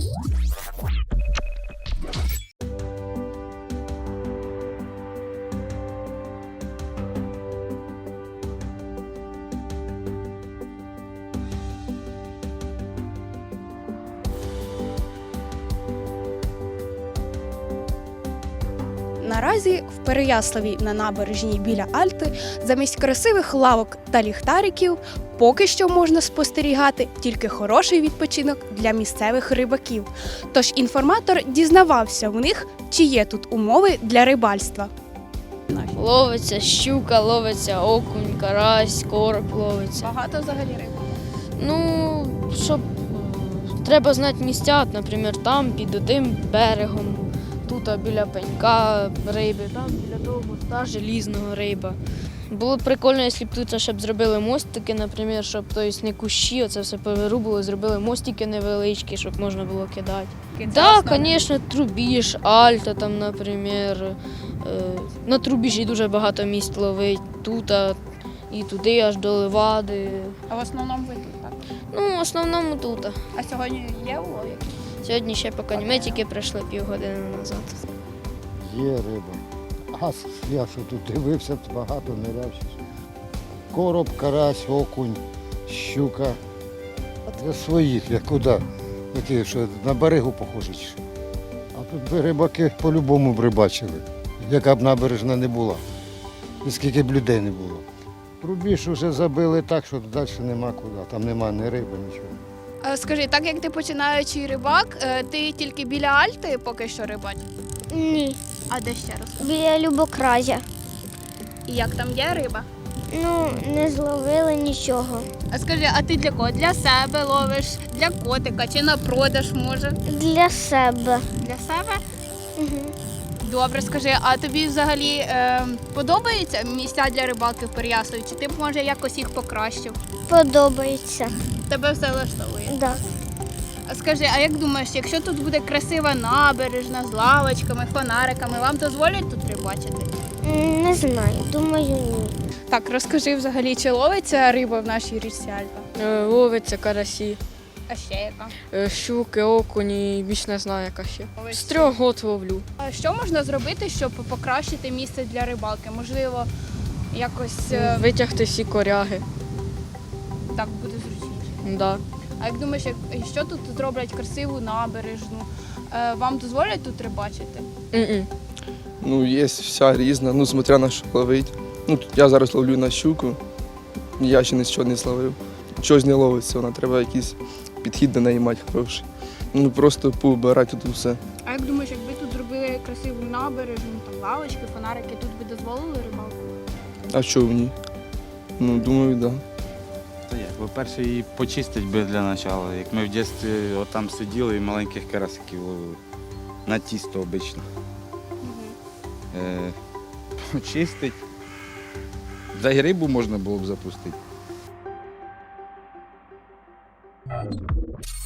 Наразі в Переяславі на набережній біля Альти замість красивих лавок та ліхтариків поки що можна спостерігати тільки хороший відпочинок для місцевих рибаків. Тож інформатор дізнавався в них, чи є тут умови для рибальства. Ловиться щука, ловиться окунь, карась, короб ловиться. Багато взагалі риби. Ну, щоб треба знати місця, наприклад, там під тим берегом, тут біля пенька риби, там біля того моста желізного риба. Було б прикольно, якщо б тут щоб зробили мостики, наприклад, щоб не кущі, оце все повирубили, зробили мостики невеличкі, щоб можна було кидати. Так, звісно, трубіж, альта там, наприклад. На трубіжі дуже багато місць ловить, тут і туди, аж до Левади. А в основному ви тут, так? Ну, в основному тут. А сьогодні є улов? Сьогодні ще поки ні. Ми тільки прийшли півгодини назад. Є риба. А я що тут дивився, багато ниряв. Короб, карась, окунь, щука. Для своїх, я куди? Які, що на берегу похожі. А тут рибаки по-любому б рибачили, яка б набережна не була. І скільки б людей не було. Рубіж вже забили так, що далі нема куди. Там нема ні риби, нічого. Скажи, так як ти починаючий рибак, ти тільки біля Альти поки що рибач? Ні, А де ще раз? біля Любокразя. І як там є риба? Ну, не зловили нічого. А скажи, а ти для кого? Для себе ловиш, для котика чи на продаж може? Для себе. Для себе? Угу. Добре, скажи, а тобі взагалі подобаються місця для рибалки в Переяславі? Чи ти б, може, якось їх покращив? Подобається. Тебе все влаштовує? Да. А скажи, а як думаєш, якщо тут буде красива набережна з лавочками, фонариками, вам дозволять тут рибачити? Не знаю, думаю, ні. Так, розкажи взагалі, чи ловиться риба в нашій річці Альта? Ловиться карасі, А ще яка? щуки, окуні, більш не знаю, яка ще. З 3 років ловлю. А що можна зробити, щоб покращити місце для рибалки? Можливо, якось Витягти всі коряги. так буде зручніше. Да. А як думаєш, якщо тут зроблять красиву набережну, вам дозволять тут рибачити? М-м. Ну, є вся різна, ну, смотря на що ловить. Ну, тут я зараз ловлю на щуку, я ще нічого не зловив. Чогось не ловиться, вона треба якийсь підхід до неї мати хороший. Ну, просто поубирати тут все. А як думаєш, якби тут зробили красиву набережну, там лавочки, фонарики, тут би дозволили рибалку? А що в ній? Ну, думаю, так. Да. Та як, по-перше, її почистити би для початку. Як ми в дитинстві отам сиділи і маленьких карасиків ловили. На тісто обично. Почистити. Да й рибу можна було б запустити.